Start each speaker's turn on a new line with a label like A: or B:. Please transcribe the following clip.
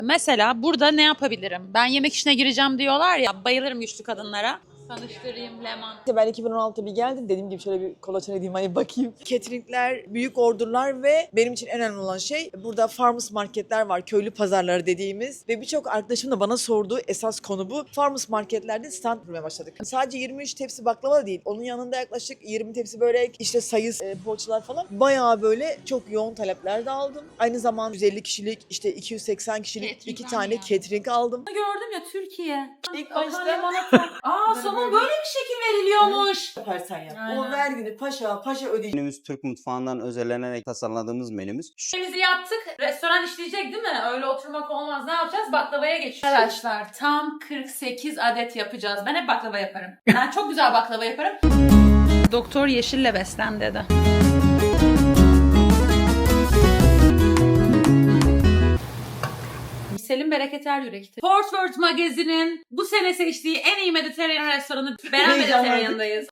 A: Mesela burada ne yapabilirim? Ben yemek işine gireceğim diyorlar ya, bayılırım güçlü kadınlara. Tanıştırayım Leman.
B: Ben 2016'da bir geldim. Dediğim gibi şöyle bir kolaçan edeyim hani bakayım. Cateringler, büyük orderlar ve benim için en önemli olan şey burada farmers marketler var. Köylü pazarları dediğimiz. Ve birçok arkadaşım da bana sorduğu esas konu bu. Farmers marketlerde stand kurmaya başladık. Sadece 23 tepsi baklava değil. Onun yanında yaklaşık 20 tepsi börek, işte sayıs poğaçalar falan. Bayağı böyle çok yoğun talepler de aldım. Aynı zamanda 150 kişilik, işte 280 kişilik
A: Catering
B: 2 tane
A: yani.
B: catering aldım.
C: Gördüm ya Türkiye.
B: İlk
C: Akan
B: başta
C: limonata. Aa
B: Böyle
C: somon
B: böyle.
C: böyle bir şekil veriliyormuş.
B: Yaparsan yap.
C: Aynen.
B: O vergini paşa ödeyecek.
D: Menümüz Türk mutfağından özellenerek tasarladığımız menümüz.
C: Şeyimizi yaptık. Restoran işleyecek değil mi? Öyle oturmak olmaz. Ne yapacağız? Baklavaya geçeceğiz. Arkadaşlar tam 48 adet yapacağız. Ben hep baklava yaparım. Ben çok güzel baklava yaparım.
A: Doktor yeşille beslen dedi.
C: Selim Bereketer Yürek'ti. Fort Worth Magazine'in bu sene seçtiği en iyi Mediterranean restoranı Beren
B: Heyecanlandım.
C: Mediterranean'dayız.